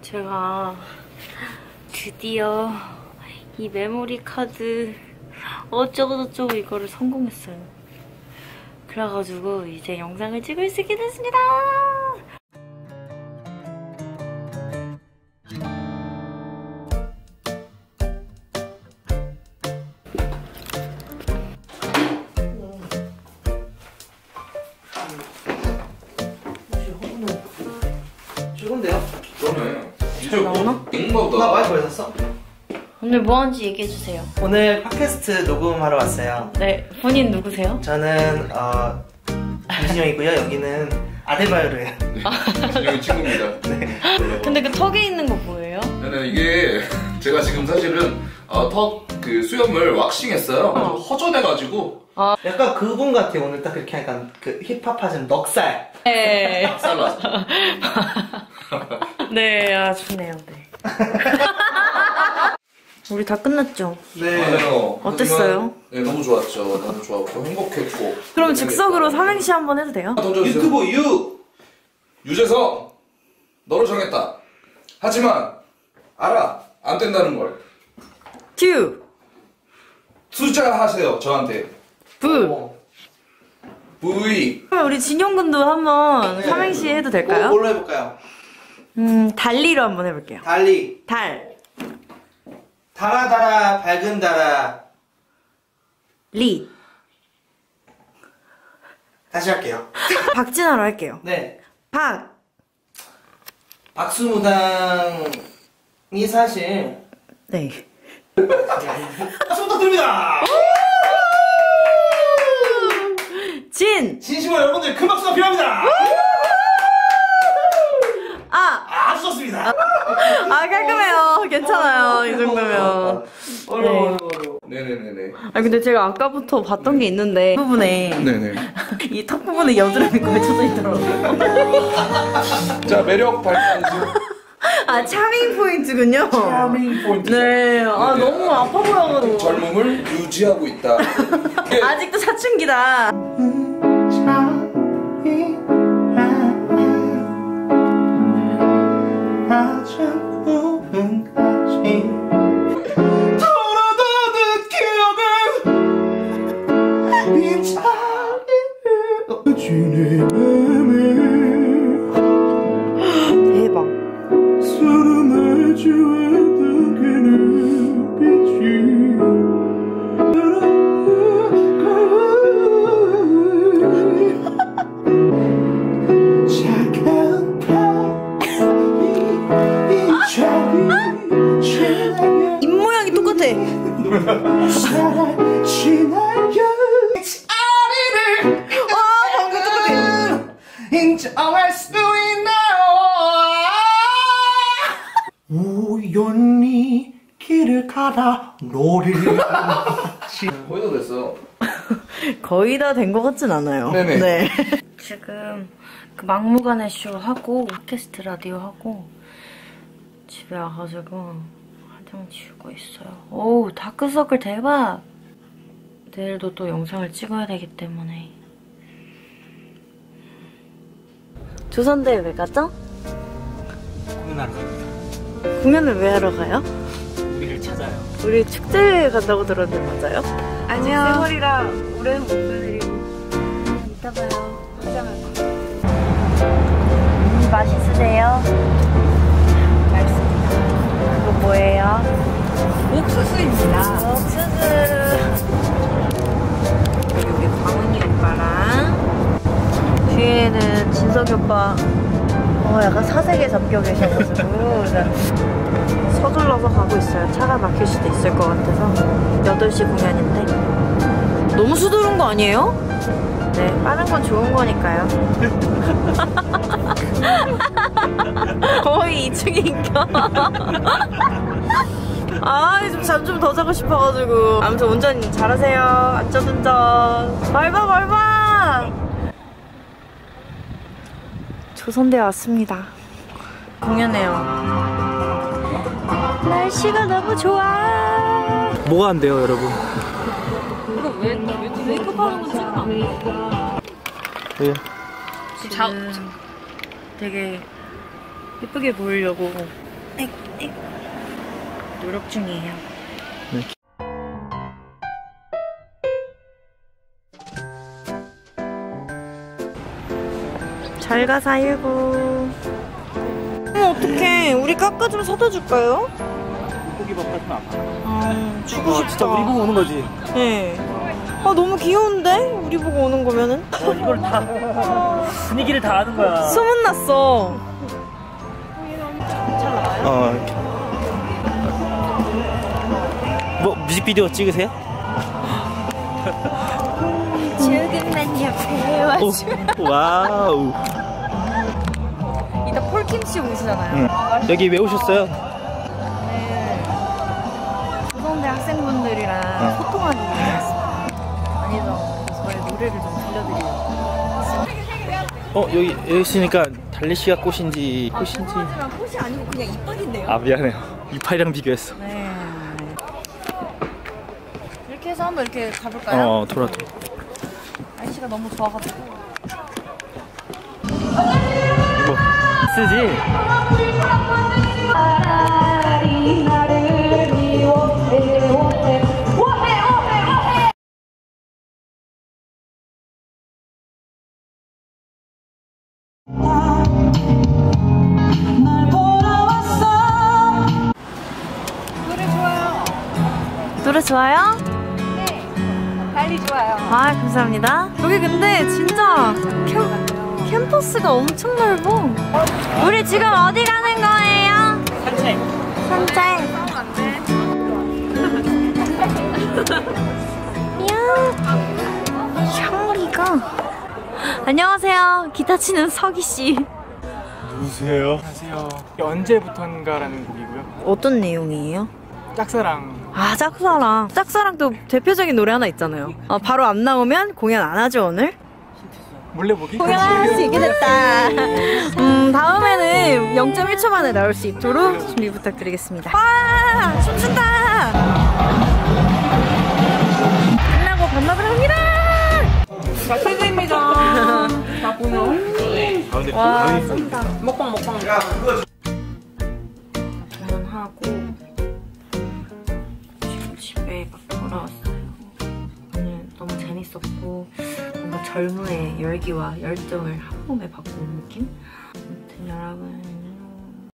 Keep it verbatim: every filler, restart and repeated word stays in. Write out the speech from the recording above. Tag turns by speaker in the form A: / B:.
A: 제가 드디어 이 메모리 카드 어쩌고저쩌고 이거를 성공했어요. 그래가지고 이제 영상을 찍을 수 있게 됐습니다.
B: 최고인데요?
C: 그러네.
A: 잘 나오나?
C: 잉보다.
B: 나 마이크 왜 샀어?
A: 오늘 뭐 하는지 얘기해주세요.
B: 오늘 팟캐스트 녹음하러 왔어요.
A: 네, 본인 누구세요?
B: 저는 어 김진영이고요. 여기는 아데바요르예요.
C: 여기 친구입니다.
B: 네.
A: 근데 그 턱에 있는 거 뭐예요?
C: 네네, 이게 제가 지금 사실은 어, 턱 그 수염을 왁싱했어요.
A: 어.
C: 허전해가지고
B: 약간 그분 같아. 오늘 딱 그렇게 약간 그 힙합 하시는 넉살.
A: 네.
C: 박살났어.
A: 네, 아, 좋네요. 네. 우리 다 끝났죠?
C: 맞아요.
A: 어땠어요?
C: 하지만, 네, 너무 좋았죠. 너무 좋았고 행복했고.
A: 그럼 즉석으로 삼행시 한번 해도 돼요?
C: 던져주세요.
B: 유튜브 유!
C: 유재석, 너를 정했다. 하지만 알아, 안 된다는 걸.
A: 듀!
C: 투자하세요, 저한테.
A: 부!
B: 어.
C: V.
A: 그럼 우리 진용군도 한번
B: 네.
A: 삼행시 해도 될까요?
B: 뭐, 뭘로 해볼까요?
A: 음, 달리로 한번 해볼게요.
B: 달리.
A: 달,
B: 달아 달아 밝은 달아.
A: 리.
B: 다시 할게요.
A: 박진아로 할게요.
B: 네.
A: 박,
B: 박수무당이 사실
A: 네.
B: 박수 부탁드립니다.
A: 진!
B: 진심으로 여러분들 큰 박수가 필요합니다.
A: 아!
B: 아주 좋습니다.
A: 아, 깔끔해요. 괜찮아요. 이 정도면.
B: 어려워 어려워.
C: 네네네네.
A: 아, 근데 제가 아까부터 봤던 게 있는데, 이 부분에,
C: 네네.
A: 이 턱 부분에 여드름이 걸쳐져 있더라고요.
C: 자, 매력 발산 중.
A: 아, 차밍 포인트군요.
C: 차밍 포인트.
A: 네. 아,
C: 네.
A: 너무 아파 보여가지고.
C: 젊음을 유지하고 있다. 이게
A: 아직도 사춘기다. 대박. 입 모양이 똑같아. 와, 방금 똑같아.
B: 인정할 수 있나요? 우연히 길을 가다 너를
C: 거의 다 됐어.
A: 거의 다 된 것 같진 않아요.
C: 네네.
A: 네. 지금 그 막무가내 쇼 하고 팟캐스트 라디오 하고 집에 와가지고 화장 지우고 있어요. 오우, 다크서클 대박! 내일도 또 영상을 찍어야 되기 때문에. 조선대에 왜 가죠?
B: 공연하러 갑니다.
A: 공연을 왜 하러 가요?
B: 우리를 찾아요.
A: 우리 축제에 간다고 들었는데 맞아요? 안녕. 세월이라 올해는 못 보내드리고 이따 봐요. 화장할 거. 음, 맛있으세요? 맛있습니다. 이거 뭐예요? 옥수수입니다. 옥수수. 여기 광훈이 오빠랑 뒤에는 진석이 오빠. 어, 약간 사색에 잠겨 계셔가지고 서둘러서 가고 있어요. 차가 막힐 수도 있을 것 같아서. 여덟 시 공연인데 너무 서두른 거 아니에요? 네, 빠른 건 좋은 거니까요. 거의 이 층인가? 아, 좀 잠 좀 더 자고 싶어가지고. 아무튼 운전 잘하세요. 안전운전. 밟아 밟아. 조선대에 왔습니다. 공연해요. 날씨가 너무 좋아.
B: 뭐가 안 돼요, 여러분?
A: 이거 왜, 왜 메이크업 하는 거 찍으면 안 돼?
B: 네.
A: 지금 되게 예쁘게 보이려고 에이, 에이. 노력 중이에요.
B: 네.
A: 잘 가, 사일구. 어머, 어떡해. 우리 깎아 좀 사다 줄까요?
B: 고기밥 하시면 안 돼.
A: 아, 주고 싶다.
B: 진짜 우리 보고 오는 거지.
A: 네. 아, 너무 귀여운데? 우리 보고 오는 거면은?
D: 어, 이걸 다 분위기를 다 아는 거야.
A: 소문났어.
B: 어. 뭐 뮤직비디오 찍으세요?
A: 조금만 옆에 와줘.
B: 오, 와우.
A: 이따 폴킴씨 오시잖아요.
B: 응. 여기 왜 오셨어요?
A: 네. 고성대 학생분들이랑
B: 응.
A: 소통하기 위해 왔습니다. 아니죠. 저의 노래를 좀 들려드리려고.
B: 어 여기 여기 있으니까 달래씨가 꽃인지 꽃인지.
A: 하지만 꽃이 아니고 그냥 이빨인데요.
B: 아 미안해요. 이파이랑 비교했어.
A: 네. 이렇게 해서 한번 이렇게 가볼까요?
B: 어 돌아 돌아.
A: 날씨가 너무 좋아가지고.
B: 뭐 쓰지?
A: 노래 좋아요?
E: 네, 달리 좋아요.
A: 아, 감사합니다. 여기 근데 진짜 캠, 캠퍼스가 엄청 넓어. 우리 지금 어디 가는 거예요?
D: 산책.
A: 산책. 이야, 향기가. 안녕하세요. 기타 치는 석이씨.
F: 누구세요? 안녕하세요. 언제부턴가라는 곡이고요.
A: 어떤 내용이에요?
F: 짝사랑.
A: 아, 짝사랑. 짝사랑 또 대표적인 노래 하나 있잖아요. 아, 바로 안 나오면 공연 안 하죠, 오늘?
F: 몰래 보기?
A: 공연할 수 있게 됐다. 음, 다음에는 영 점 일 초 만에 나올 수 있도록 준비 부탁드리겠습니다. 와, 춤춘다. 끝나고 반납을 합니다.
E: 최대입니다. 나 보면.
A: 와, 쏜다. 먹방, 먹방, 먹방. 공연하고 지금 집에 막 돌아왔어요. 오늘 너무 재밌었고 뭔가 젊음의 열기와 열정을 한 몸에 받고 온 느낌? 아무튼 여러분